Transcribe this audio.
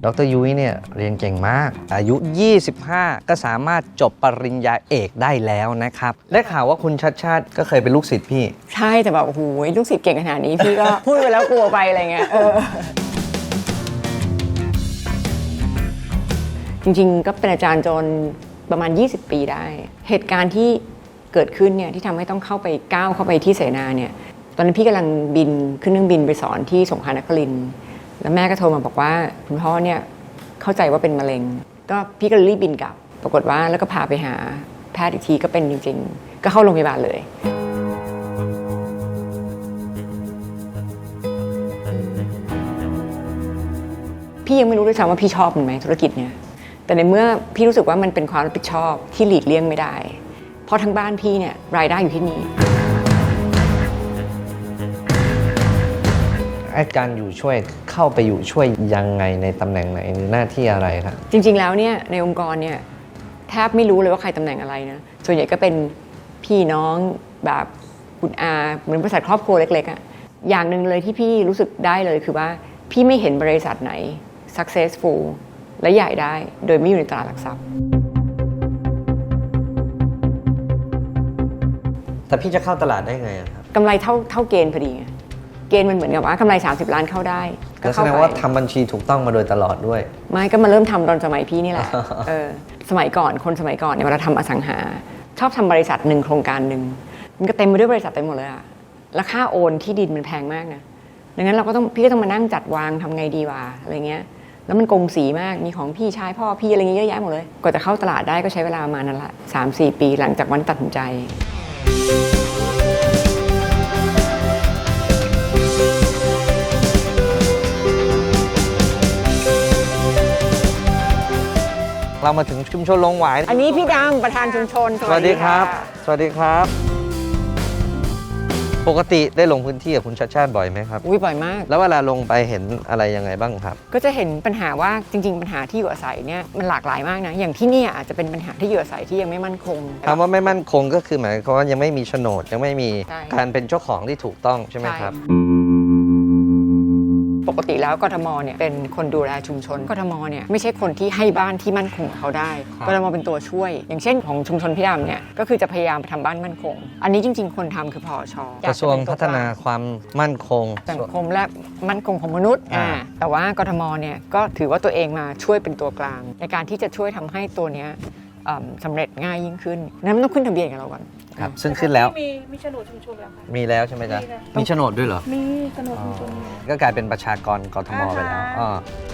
ดร.ยุ้ยเนี่ยเรียนเก่งมากอายุ 25 ก็สามารถจบปริญญาเอกได้แล้วนะครับได้ข่าวว่าคุณชัดชาติก็เคยเป็นลูกศิษย์พี่ใช่แต่แบบโอ้โหลูกศิษย์เก่งขนาดนี้พี่ก็ พูดไปแล้วกลัวไปอะไรเงี้ยจริงๆก็เป็นอาจารย์จนประมาณ20 ปีได้เหตุการณ์ที่เกิดขึ้นเนี่ยที่ทำให้ต้องก้าวเข้าไปที่เสนาเนี่ยตอนนั้นพี่กำลังบินขึ้นเครื่องบินไปสอนที่สงขลานครินทร์แล้วแม่ก็โทรมาบอกว่าคุณพ่อเนี่ยเข้าใจว่าเป็นมะเร็งก็พี่ก็รีบบินกลับปรากฏว่าแล้วก็พาไปหาแพทย์อีกทีก็เป็นจริงๆก็เข้าโรงพยาบาลเลยพี่ยังไม่รู้ด้วยซ้ำว่าพี่ชอบมันไหมธุรกิจเนี่ยแต่ในเมื่อพี่รู้สึกว่ามันเป็นความรับผิดชอบที่หลีกเลี่ยงไม่ได้เพราะทั้งบ้านพี่เนี่ยรายได้อยู่ที่นี่อาจารย์อยู่ช่วยเข้าไปอยู่ช่วยยังไงในตำแหน่งไหนหรือหน้าที่อะไรครับจริงๆแล้วเนี่ยในองค์กรเนี่ยแทบไม่รู้เลยว่าใครตำแหน่งอะไรนะส่วนใหญ่ก็เป็นพี่น้องแบบคุณอาเหมือนบริษัทครอบครัวเล็กๆอ่ะอย่างหนึ่งเลยที่พี่รู้สึกได้เลยคือว่าพี่ไม่เห็นบริษัทไหน successful และใหญ่ได้โดยไม่อยู่ในตลาดหลักทรัพย์แต่พี่จะเข้าตลาดได้ไงครับกำไรเท่าเกณฑ์พอดีไงเกณฑ์มันเหมือนกับว่ากำไร30 ล้านเข้าได้ก็แสดงว่าทำบัญชีถูกต้องมาโดยตลอดด้วยไม่ก็มาเริ่มทำตอนสมัยพี่นี่แหละสมัยก่อนคนสมัยก่อนเนี่ยเวลาทำอสังหาชอบทำบริษัทหนึ่งโครงการหนึ่งมันก็เต็มไปด้วยบริษัทเต็มหมดเลยอะแล้วค่าโอนที่ดินมันแพงมากนะดังนั้นพี่ก็ต้องมานั่งจัดวางทำไงดีวะอะไรเงี้ยแล้วมันกงสีมากมีของพี่ชายพ่อพี่อะไรเงี้ยเยอะแยะหมดเลยกว่าจะเข้าตลาดได้ก็ใช้เวลาประมาณนั้นละ 3-4 ปีหลังจากวันตัดสินใจเรามาถึงชุมชนลงหวายอันนี้พี่ดำประธานชุมชนสวัสดีครับสวัสดีครับปกติได้ลงพื้นที่กับคุณชัดชาติบ่อยไหมครับบ่อยมากแล้วเวลาลงไปเห็นอะไรยังไงบ้างครับก็จะเห็นปัญหาว่าจริงๆปัญหาที่อยู่อาศัยเนี่ยมันหลากหลายมากนะอย่างที่นี่อาจจะเป็นปัญหาที่อยู่อาศัยที่ยังไม่มั่นคงคำว่าไม่มั่นคงก็คือหมายความว่ายังไม่มีโฉนดยังไม่มีการเป็นเจ้าของที่ถูกต้องใช่ไหมครับปกติแล้วกทมเนี่ยเป็นคนดูแลชุมชนกทมเนี่ยไม่ใช่คนที่ให้บ้านที่มั่นคงเขาได้กทมเป็นตัวช่วยอย่างเช่นของชุมชนพี่ดำเนี่ยก็คือจะพยายามไปทำบ้านมั่นคงอันนี้จริงๆคนทำคือพอชกระทรวงพัฒนาความมั่นคงสังคมและมั่นคงของมนุษย์แต่ว่ากทมเนี่ยก็ถือว่าตัวเองมาช่วยเป็นตัวกลางในการที่จะช่วยทำให้ตัวเนี้ยสำเร็จง่ายยิ่งขึ้นนั้นต้องขึ้นทะเบียนกับเราก่อนครับซึ่งขึ้นแล้วมีโฉนดชุมชนแล้วค่ะมีแล้วใช่ไหมจ๊ะมีโฉนดด้วยเหรอมีโฉนดชุมชนก็กลายเป็นประชากรกทมไปแล้ว